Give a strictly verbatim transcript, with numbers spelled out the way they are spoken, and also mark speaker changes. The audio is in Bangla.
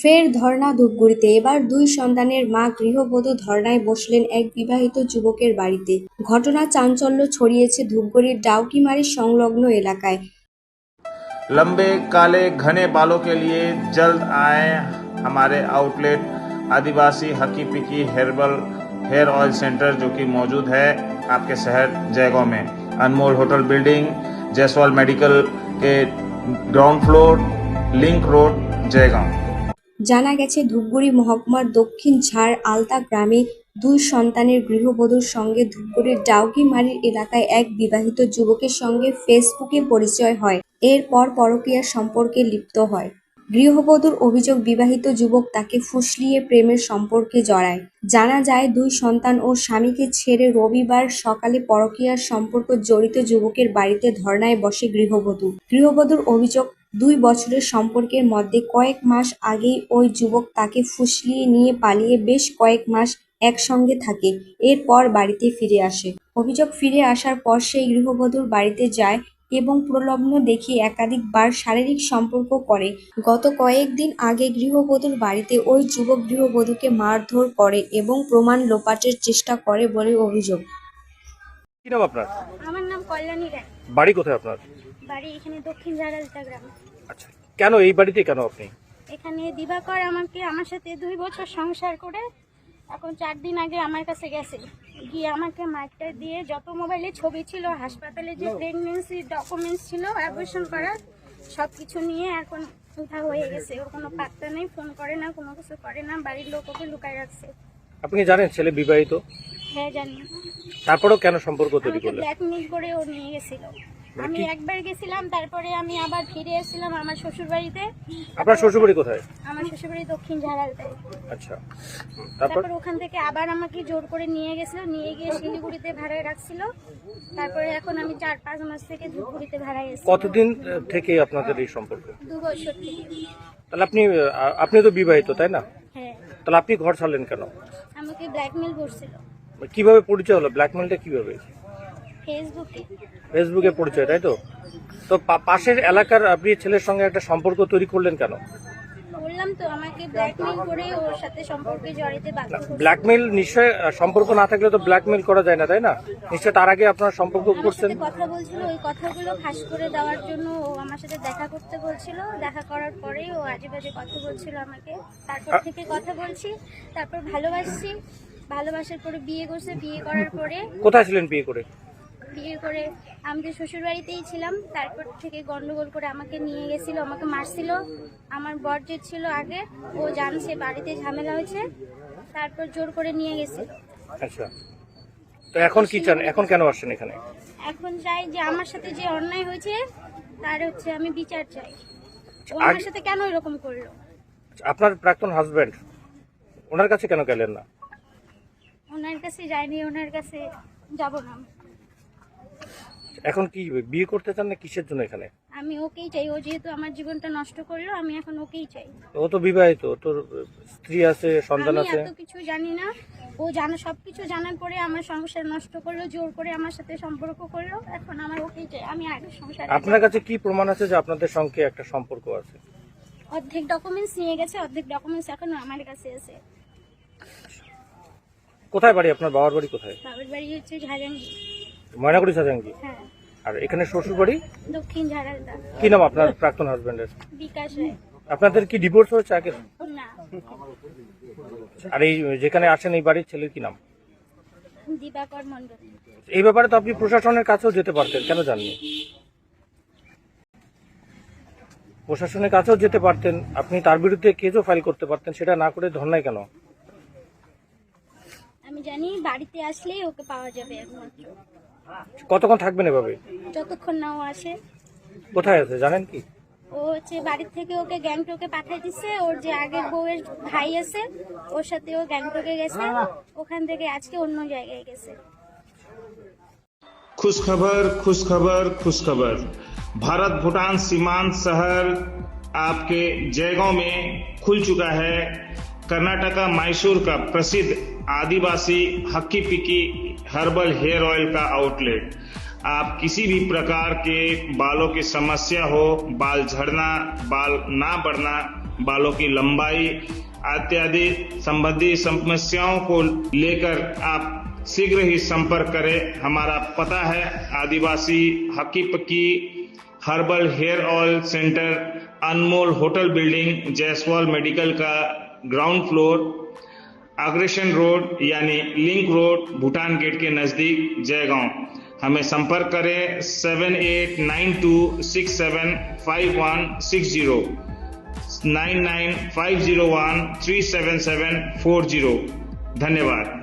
Speaker 1: ফের ধর্ণা ধূপগুড়িতে। এবার দুই সন্তানের মা গৃহবধূ ধর্ণায় বসলেন এক বিবাহিত যুবকের বাড়িতে। ঘটনা চাঞ্চল্য ছড়িয়েছে ধূপগুড়ির ডাউকিমারি সংলগ্ন এলাকায়।
Speaker 2: लंबे काले घने बालों के लिए जल्द आए हमारे outlet Adivasi Hakki Pikki herbal hair oil centre, जो कि मौजूद है आपके शहर जयगांव में। Anmol hotel building, Jaiswal medical के ground floor, link road, Jaigaon.
Speaker 1: জানা গেছে, ধূপগুড়ি মহকুমার দক্ষিণ ঝাড় আলতা গ্রামে দুই সন্তানের গৃহবধূর সঙ্গে ধূপগুড়ির ডাউকিমারির এলাকায় এক বিবাহিত যুবকের সঙ্গে ফেসবুকে পরিচয় হয়। এরপর পরকীয়া সম্পর্কে লিপ্ত হয়। গৃহবধূর অভিযোগ, বিবাহিত যুবক তাকে ফুসলিয়ে প্রেমের সম্পর্কে জড়ায়। জানা যায়, দুই সন্তান ও স্বামীকে ছেড়ে রবিবার সকালে পরকীয়ার সম্পর্ক জড়িত যুবকের বাড়িতে ধর্ণায় বসে গৃহবধূ। গৃহবধূর অভিযোগ, দুই বছরের সম্পর্কের মধ্যে কয়েক মাস আগেই ওই যুবক তাকে ফুসলিয়ে নিয়ে পালিয়ে বেশ কয়েক মাস একসঙ্গে থাকে। এরপর বাড়িতে ফিরে আসে। অভিযোগ, ফিরে আসার পর সেই গৃহবধূর বাড়িতে যায় এবং প্রলোভন দেখিয়ে একাধিকবার শারীরিক সম্পর্ক করে। গত কয়েকদিন আগে গৃহবধূর বাড়িতে ওই যুবক গৃহবধূকে মারধর করে এবং প্রমাণ লোপাটের চেষ্টা করে বলে অভিযোগ।
Speaker 3: কি নাম আপনার?
Speaker 4: আমার নাম কল্যাণী রায়।
Speaker 3: বাড়ি কোথায় আপনার?
Speaker 4: বাড়ি এখানে দক্ষিণ ঝাড়ালতা গ্রামে।
Speaker 3: আচ্ছা, কেন এই বাড়িতে কেন আপনি?
Speaker 4: এখানে দিবাকর আমাকে আমার সাথে দুই বছর সংসার করে এখন চার দিন আগে আমার কাছে গেছে, গিয়ে আমাকে মাইকটা দিয়ে যত মোবাইলে ছবি ছিল, হাসপাতালে যে প্রেগনেন্সি ডকুমেন্টস ছিল অ্যাবর্শন করার, সব কিছু নিয়ে এখন উঠা হয়ে গেছে। ওর কোনো পাত্তা নেই, ফোন করে না, কোনো কিছু করে না, বাড়ির লোক ওকে লুকায় রাখছে।
Speaker 3: আপনি জানেন ছেলে বিবাহিত?
Speaker 4: হ্যাঁ জানি।
Speaker 3: তারপরেও কেন সম্পর্ক তৈরি
Speaker 4: আমাকে
Speaker 3: করলেন?
Speaker 4: ব্ল্যাকমেল করে ও নিয়ে গেছিল। আমি একবার গেছিলাম, তারপরে আমি আবার ফিরে এসেছিলাম আমার শ্বশুর বাড়িতে।
Speaker 3: আপনার শ্বশুরবাড়ি কোথায়?
Speaker 4: আমার শ্বশুরবাড়ি দক্ষিণ ঝাড়ালতায়।
Speaker 3: আচ্ছা, তারপর
Speaker 4: তারপর ওখান থেকে আবার আমাকে জোর করে নিয়ে গেছিল, নিয়ে গিয়ে শিলিগুড়িতে ভাড়ায় রাখছিল। তারপরে এখন আমি চার পাঁচ মাস থেকে ধূপগুড়িতে ভাড়ায় এসেছি।
Speaker 3: কতদিন থেকে আপনাদের এই সম্পর্ক?
Speaker 4: দু বছর থেকে।
Speaker 3: তাহলে আপনি আপনি তো বিবাহিত, তাই না?
Speaker 4: হ্যাঁ।
Speaker 3: তাহলে আপনি ঘর ছাড়লেন কেন?
Speaker 4: আমাকে ব্ল্যাকমেল করছিল।
Speaker 3: কিভাবে পরিচয় হলো? ব্ল্যাকমেলটা কিভাবে?
Speaker 4: ফেসবুকে।
Speaker 3: ফেসবুকে পরিচয়, তাই তো? তো পা- পাশের এলাকার আপনি ছেলের সঙ্গে একটা সম্পর্ক তৈরি করলেন কেন?
Speaker 4: বললাম তো, আমাকে ব্ল্যাকমেল করে ওর সাথে সম্পর্কে জড়াতে বাধ্য করছিল।
Speaker 3: ব্ল্যাকমেল নিশ্চয় আহ, সম্পর্ক না থাকলে তো ব্ল্যাকমেল করা যায় না, তাই না? নিশ্চয় তার আগে আপনার সম্পর্ক
Speaker 4: আমার
Speaker 3: করছেন।
Speaker 4: সাথে কথা বলছিল, ওই কথাগুলো ফাঁস করে দেওয়ার জন্য ও আমার সাথে দেখা করতে বলছিল। দেখা করার পরেই ও আজে বাজে কথা বলছিল আমাকে। তারপর থেকে কথা বলছি, তারপর ভালোবাসছি, ভালোবাসার পরে বিয়ে করছে। বিয়ে করার পরে
Speaker 3: কোথায় ছিলেন বিয়ে করে?
Speaker 4: বিয়ে করে আমি তো শ্বশুর বাড়িতেই ছিলাম। তারপর থেকে গন্ডগোল করে আমাকে নিয়ে গেছিল, আমাকে মারছিল। আমার বর যে ছিল আগে, ও জানছে বাড়িতে ঝামেলা হয়েছে, তারপর জোর করে নিয়ে গেছিল।
Speaker 3: আচ্ছা, তো এখন কি চান? এখন কেন আসছেন এখানে?
Speaker 4: এখন চাই যে আমার সাথে যে অন্যায় হয়েছে তার হচ্ছে আমি বিচার চাই। ও আমার সাথে কেন এরকম করলো?
Speaker 3: আপনার প্রাক্তন হাজবেন্ড, ওনার কাছে কেন গেলেন না?
Speaker 4: ওনার কাছে যাইনি, ওনার কাছে যাব না।
Speaker 3: এখন কি বিয়ে করতে চান না কিসের জন্য এখানে?
Speaker 4: আমি ওকেই চাই। ও যেহেতু আমার জীবনটা নষ্ট করলো, আমি এখন ওকেই চাই।
Speaker 3: ও তো বিবাহিত, তোর স্ত্রী আছে, সন্তান
Speaker 4: আমি
Speaker 3: আছে।
Speaker 4: এত কিছু জানি না, ও জানা সবকিছু জানার পরে আমার সংসার নষ্ট করলো, জোর করে আমার সাথে সম্পর্ক করলো। এখন আমার ওকেই চাই, আমি আগে সংসার।
Speaker 3: আপনার কাছে কি প্রমাণ আছে যে আপনাদের সঙ্গে একটা সম্পর্ক আছে?
Speaker 4: অর্ধেক ডকুমেন্টস নিয়ে গেছে, অর্ধেক ডকুমেন্টস এখন আমার কাছে আছে।
Speaker 3: কোথায় বাড়ি আপনার? বাবার বাড়ি কোথায়?
Speaker 4: বাবার বাড়ি হচ্ছে ঝাড়াঙ্গি।
Speaker 3: ময়নাগুড়ি সাজাঙ্গি।
Speaker 4: হ্যাঁ।
Speaker 3: আর এখানে শ্বশুর বাড়ি?
Speaker 4: দক্ষিণ ঝাড়ালতা।
Speaker 3: কি নাম আপনার প্রাক্তন হাজবেন্ডের?
Speaker 4: বিকাশ রায়।
Speaker 3: আপনাদের কি ডিভোর্স হয়েছে আগে?
Speaker 4: না,
Speaker 3: আর এই যেখানে আসেন এই বাড়ির ছেলের কি নাম?
Speaker 4: দিবাকর মন্ডল।
Speaker 3: এই ব্যাপারে তো আপনি প্রশাসনের কাছেও যেতে পারতেন, কেন যাননি? প্রশাসনের কাছেও যেতে পারতেন, আপনি তার বিরুদ্ধে কেসও ফাইল করতে পারতেন, সেটা না করে ধর্নায় কেন?
Speaker 4: আমি জানি বাড়িতে আসলেই ওকে পাওয়া যাবে একমাত্র।
Speaker 3: কতক্ষণ থাকবেন এভাবে?
Speaker 4: যতক্ষণ না ও আসে।
Speaker 3: কোথায় আছে জানেন কি?
Speaker 4: ও হচ্ছে বাড়ির থেকে ওকে গ্যাংটকে পাঠিয়ে দিচ্ছে। ওর যে আগের বউয়ের ভাই আছে, ওর সাথে ও গ্যাংটকে গেছে, ওখান থেকে আজকে অন্য জায়গায় গেছে।
Speaker 2: खुश खबर खुश खबर खुश खबर भारत भूटान सीमांत शहर आपके जयगांव में खुल चुका है कर्नाटका मैसूर का प्रसिद्ध Adivasi Hakki Pikki herbal hair oil का आउटलेट। आप किसी भी प्रकार के बालों की समस्या हो, बाल झड़ना, बाल ना बढ़ना, बालों की लंबाई इत्यादि संबंधी समस्याओं को लेकर आप शीघ्र ही संपर्क करें। हमारा पता है Adivasi Hakki Pikki herbal hair oil centre, Anmol hotel building, Jaiswal medical का ग्राउंड फ्लोर, अग्रेशन रोड यानी लिंक रोड, भूटान गेट के नजदीक, जयगांव। हमें संपर्क करें seven eight nine two six seven five one six zero, nine nine five zero one three seven seven four zero. धन्यवाद।